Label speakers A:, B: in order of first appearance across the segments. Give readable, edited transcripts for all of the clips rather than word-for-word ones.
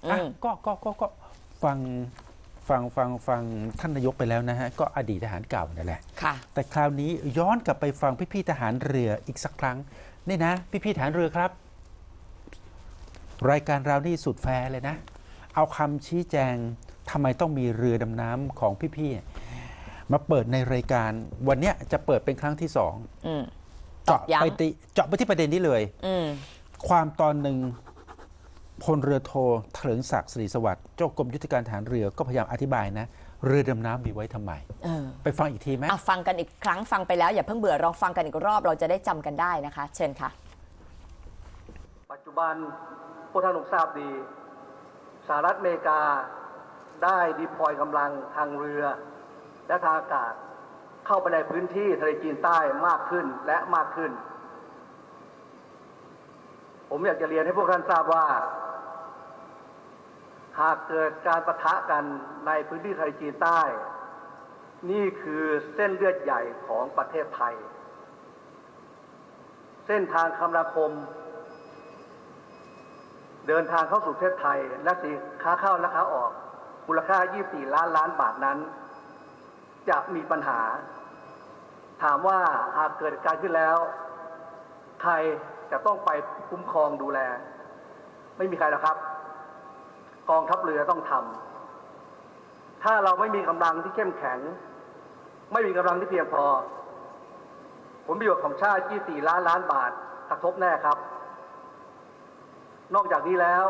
A: ก็ฟังท่านนายกไปแล้วนะฮะก็อดีตทหารเก่านั่นแหละแต่คราวนี้ย้อนกลับไปฟังพี่ๆทหารเรืออีกสักครั้งนี่นะพี่ๆทหารเรือครับรายการเรานี่สุดแฟร์เลยนะเอาคำชี้แจงทำไมต้องมีเรือดำน้ำของพี่ๆมาเปิดในรายการวันนี้จะเปิดเป็นครั้งที่2เจาะไปที่ประเด็นนี้เลยความตอนหนึ่งพลเรือโทเถลิงศักดิ์ศรีสวัสดิ์เจ้ากรมยุทธการทหารเรือก็พยายามอธิบายนะเรือดำน้ำมีไว้ทำไมไปฟังอีกทีไหม
B: ฟังกันอีกครั้งฟังไปแล้วอย่าเพิ่งเบื่อลองฟังกันอีกรอบเราจะได้จำกันได้นะคะเชิญค่ะ
C: ปัจจุบันพวกท่านคงทราบดีสหรัฐอเมริกาได้ดีพลอยกำลังทางเรือและทางอากาศเข้าไปในพื้นที่ทะเลจีนใต้มากขึ้นและมากขึ้นผมอยากจะเรียนให้พวกท่านทราบว่าหากเกิดการปะทะกันในพื้นที่ทะเลจีนใต้นี่คือเส้นเลือดใหญ่ของประเทศไทยเส้นทางคมนาคมเดินทางเข้าสู่ประเทศไทยและสินค้าเข้าและค้าออกมูลค่า24 ล้านบาทนั้นจะมีปัญหาถามว่าหากเกิดการขึ้นแล้วใครจะต้องไปคุ้มครองดูแลไม่มีใครหรอกครับกองทัพเรือต้องทำถ้าเราไม่มีกำลังที่เข้มแข็งไม่มีกำลังที่เพียงพอผลประโยชน์ของชาติ24 ล้านบาทกระทบแน่ครับนอกจากนี้แล้ว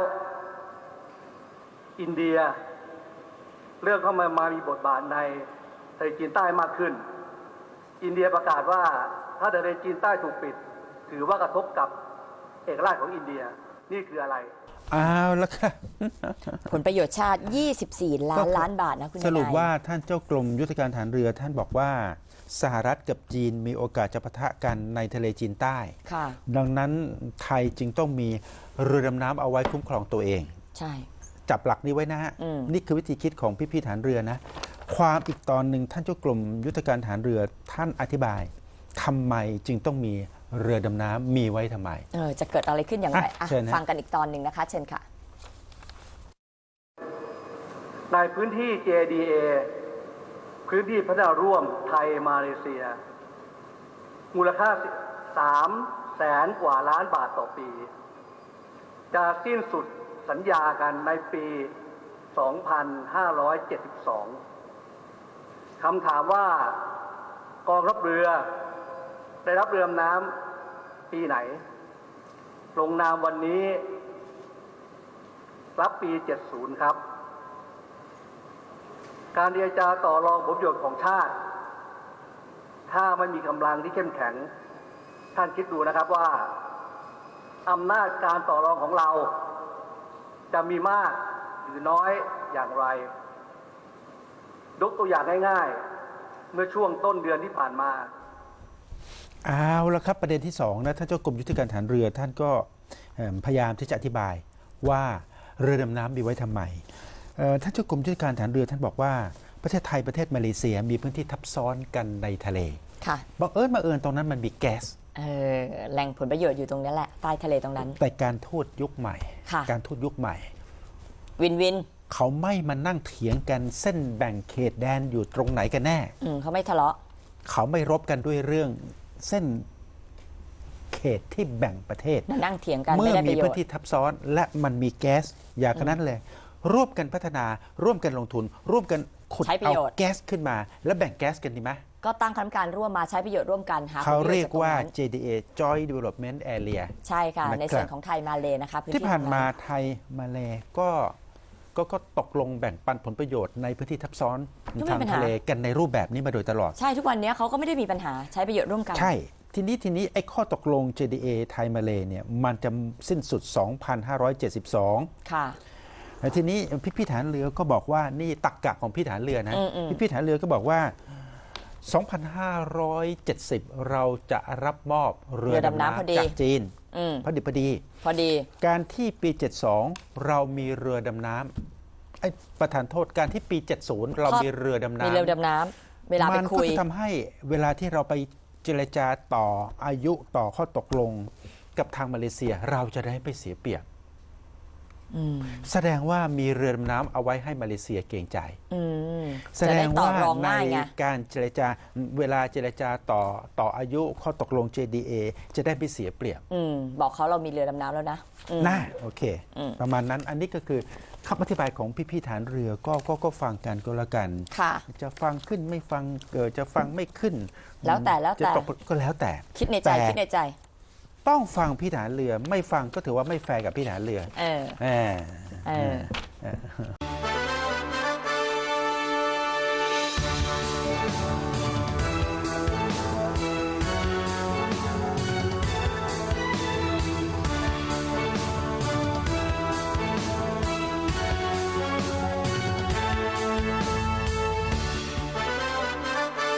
C: อินเดียเรื่องเข้ามามีบทบาทในทะเลจีนใต้มากขึ้นอินเดียประกาศว่าถ้าทะเลจีนใต้ถูกปิดถือว่ากระทบกับเอกราชของอินเดียนี่คืออะไร
A: แล้วค่ะ
B: ผลประโยชน์ชาติ24 ล้านบาทนะคุณ
A: สรุปว่าท่านเจ้ากรมยุทธการทหารเรือท่านบอกว่าสหรัฐกับจีนมีโอกาสจะปะทะกันในทะเลจีนใต้ดังนั้นไทยจึงต้องมีเรือดำน้ำเอาไว้คุ้มครองตัวเอง
B: ใช่
A: จับหลักนี้ไว้นะฮะนี่คือวิธีคิดของพี่ๆทหารเรือนะความอีกตอนหนึ่งท่านเจ้ากรมยุทธการทหารเรือท่านอธิบายทำไมจึงต้องมีเรือดำน้ำมีไว้ทำไม
B: จะเกิดอะไรขึ้นอย่างไรฟังกันอีกตอนหนึ่งนะคะเชิญค่ะ
C: ในพื้นที่ JDA พื้นที่พัฒนาร่วมไทยมาเลเซียมูลค่า300,000 กว่าล้านบาทต่อปีจะสิ้นสุดสัญญากันในปี 2572 คำถามว่ากองทัพเรือได้รับเรือดำน้ำปีไหนลงนามวันนี้รับปี 70 ครับการเจรจาต่อรองผลประโยชน์ของชาติถ้าไม่มีกำลังที่เข้มแข็งท่านคิดดูนะครับว่าอำนาจการต่อรองของเราจะมีมากหรือน้อยอย่างไรยกตัวอย่างง่ายๆเมื่อช่วงต้นเดือนที่ผ่านมา
A: เอาละครับประเด็นที่2นะท่านเจ้ากรมยุทธการทหารเรือท่านก็พยายามที่จะอธิบายว่าเรือดำน้ำมีไว้ทำไมท่านเจ้ากรมยุทธการทหารเรือท่านบอกว่าประเทศไทยประเทศมาเลเซียมีพื้นที่ทับซ้อนกันในทะเลบังเอิญตรงนั้นมันมีแก๊ส
B: แหล่งผลประโยชน์อยู่ตรงนี้แหละใต้ทะเลตรงนั้น
A: แต่การทูตยุคใหม่การทูตยุคใหม่
B: วิน
A: เขาไม่มานั่งเถียงกันเส้นแบ่งเขตแดนอยู่ตรงไหนกันแน่
B: เขาไม่ทะเลาะ
A: เขาไม่รบกันด้วยเรื่องเส้นเขตที่แบ่งประเทศ
B: นั่งเถียงกัน
A: เมื่อมีพื้นที่ทับซ้อนและมันมีแก๊สอย่างนั้นเลยร่วมกันพัฒนาร่วมกันลงทุนร่วมกันขุดเอาแก๊สขึ้นมาแล้วแบ่งแก๊สกันดีไหม
B: ก็ตั้งคณะกรรมการร่วมมาใช้ประโยชน์ร่วมกัน
A: เขาเรียกว่า JDA Joint Development Area
B: ใช่ค่ะในส่วนของไทยมาเลนะคะ
A: ที่ผ่านมาไทยมาเลก็ตกลงแบ่งปันผลประโยชน์ในพื้นที่ทับซ้อนทางทะเลกันในรูปแบบนี้มาโดยตลอด
B: ใช่ทุกวันนี้เขาก็ไม่ได้มีปัญหาใช้ประโยชน์ร่วมกัน
A: ใช่ทีนี้ไอ้ข้อตกลง JDA ไทยมาเลเนี่ยมันจะสิ้นสุด 2572
B: ค่ะ
A: ทีนี้พี่ฐานเรือก็บอกว่านี่ตรรกะของพี่ฐานเรือนะพี่ฐานเรือก็บอกว่า 2570 เราจะรับมอบเรือดำน้ำจากจีนพอดีการที่ปี 72 เรามีเรือดำน้ำประธานโทษการที่ปี 70 เรามีเรือดำน้ำ
B: เวลาไปคุย
A: มันก็จะทำให้เวลาที่เราไปเจรจาต่ออายุต่อข้อตกลงกับทางมาเลเซียเราจะได้ไม่เสียเปรียบแสดงว่ามีเรือดำน้ำเอาไว้ให้มาเลเซียเกรงใจแสดงว่าในการเจรจาเวลาเจรจาต่ออายุข้อตกลง JDA จะได้ไม่เสียเปรียบ
B: บอกเขาเรามีเรือดำน้ำแล้วนะ
A: น่าโอเคประมาณนั้นอันนี้ก็คือคำอธิบายของพี่ๆฐานเรือก็ฟังกันก็แล้วกันจะฟังขึ้นไม่ฟังจะฟังไม่ขึ้น
B: แล้วแต่
A: ก็แล้วแต่
B: คิดในใจ
A: ต้องฟังพี่ฐานเรือไม่ฟังก็ถือว่าไม่แฟร์กับพี่ฐานเรือ